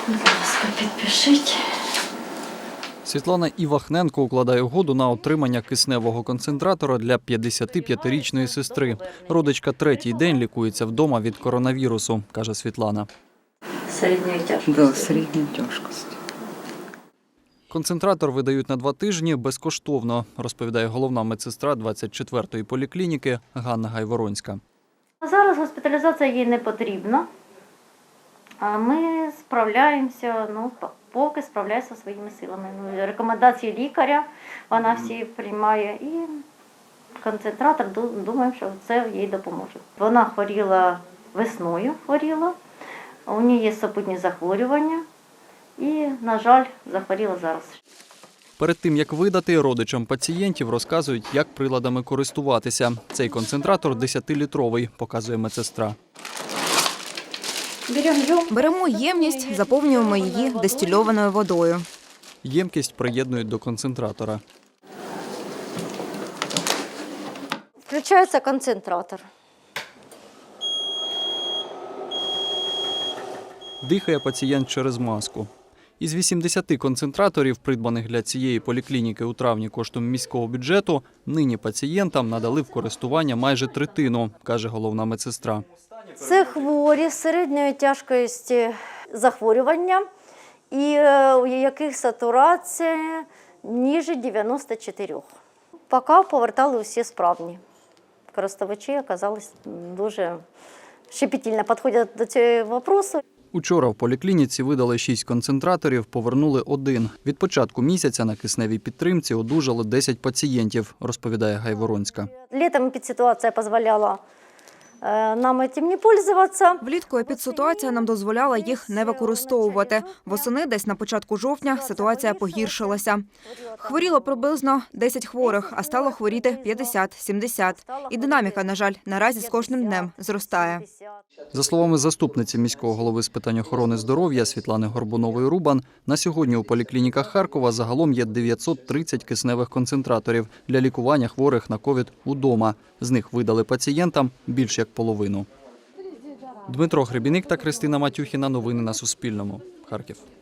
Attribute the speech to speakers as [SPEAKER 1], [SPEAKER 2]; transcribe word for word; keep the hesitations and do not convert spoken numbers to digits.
[SPEAKER 1] Будь ласка, підпишіть.
[SPEAKER 2] Світлана Івахненко укладає угоду на отримання кисневого концентратора для п'ятдесятип'ятирічної сестри. Родичка третій день лікується вдома від коронавірусу, каже Світлана.
[SPEAKER 1] Середньої тяжкості.
[SPEAKER 3] Да, середньої тяжкості.
[SPEAKER 2] Концентратор видають на два тижні безкоштовно, розповідає головна медсестра двадцять четвертої поліклініки Ганна Гайворонська.
[SPEAKER 4] Зараз госпіталізація їй не потрібна, а ми справляємося, ну, поки справляємося своїми силами. Ну, рекомендації лікаря вона всі приймає і концентратор, думаємо, що це їй допоможе. Вона хворіла весною, хворіла, у неї є супутні захворювання і, на жаль, захворіла зараз.
[SPEAKER 2] Перед тим, як видати, родичам пацієнтів розказують, як приладами користуватися. Цей концентратор десятилітровий, показує медсестра.
[SPEAKER 5] Беремо ємність, заповнюємо її дистильованою водою.
[SPEAKER 2] Ємкість приєднують до концентратора.
[SPEAKER 4] Включається концентратор.
[SPEAKER 2] Дихає пацієнт через маску. Із вісімдесяти концентраторів, придбаних для цієї поліклініки у травні коштом міського бюджету, нині пацієнтам надали в користування майже третину, каже головна медсестра.
[SPEAKER 4] Це хворі з середньої тяжкості захворювання, і у яких сатурація ніже дев'яносто чотири. Поки повертали усі справні. Користувачі оказались дуже щепетильно підходять до цього питання.
[SPEAKER 2] Учора в поліклініці видали шість концентраторів, повернули один. Від початку місяця на кисневій підтримці одужали десять пацієнтів, розповідає Гайворонська.
[SPEAKER 4] Літом епідситуація дозволяла нам цим не користуватися.
[SPEAKER 5] Влітку епідситуація нам дозволяла їх не використовувати. Восени, десь на початку жовтня, ситуація погіршилася. Хворіло приблизно десять хворих, а стало хворіти п'ятдесят-сімдесят. І динаміка, на жаль, наразі з кожним днем зростає.
[SPEAKER 2] За словами заступниці міського голови з питань охорони здоров'я Світлани Горбунової-Рубан, на сьогодні у поліклініках Харкова загалом є дев'ятсот тридцять кисневих концентраторів для лікування хворих на ковід удома. З них видали пацієнтам більш як половину. Дмитро Гребіник та Кристина Матюхіна. Новини на Суспільному. Харків.